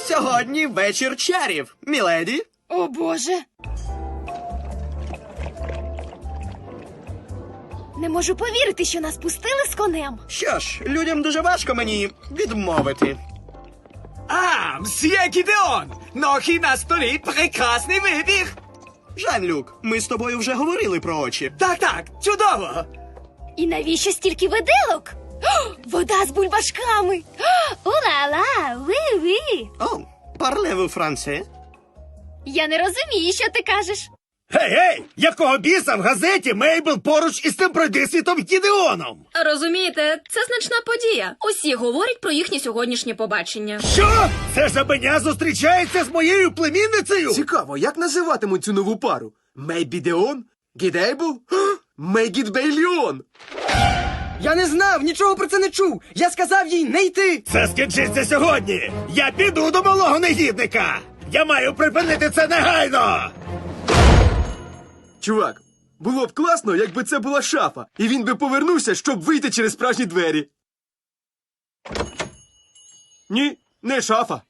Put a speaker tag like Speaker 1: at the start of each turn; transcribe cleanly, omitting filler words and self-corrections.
Speaker 1: Сьогодні вечір чарів, міледі.
Speaker 2: О, Боже! Не можу повірити, що нас пустили з конем.
Speaker 1: Що ж, людям дуже важко мені відмовити.
Speaker 3: А, мсьє Гідеон! Нохи на столі, прекрасний вибір!
Speaker 1: Жан-Люк, ми з тобою вже говорили про очі.
Speaker 3: Так, чудово!
Speaker 2: І навіщо стільки виделок? О, вода з бульбашками! Ула-ла, уи-уи!
Speaker 1: О, парлеву франце.
Speaker 2: Я не розумію, що ти кажеш.
Speaker 4: Гей! Якого біса в газеті Мейбл поруч із тим пройдисвітом Гідеоном?
Speaker 5: Розумієте, це значна подія. Усі говорять про їхнє сьогоднішнє побачення.
Speaker 4: Що? Це жабеня зустрічається з моєю племінницею?
Speaker 6: Цікаво, як називатимуть цю нову пару? Мейбідеон? Гідейбл? Мейгідбейліон?
Speaker 7: Я не знав, нічого про це не чув. Я сказав їй не йти.
Speaker 4: Це скінчиться сьогодні. Я піду до малого негідника. Я маю припинити це негайно.
Speaker 6: Чувак, було б класно, якби це була шафа, і він би повернувся, щоб вийти через справжні двері. Ні, не шафа.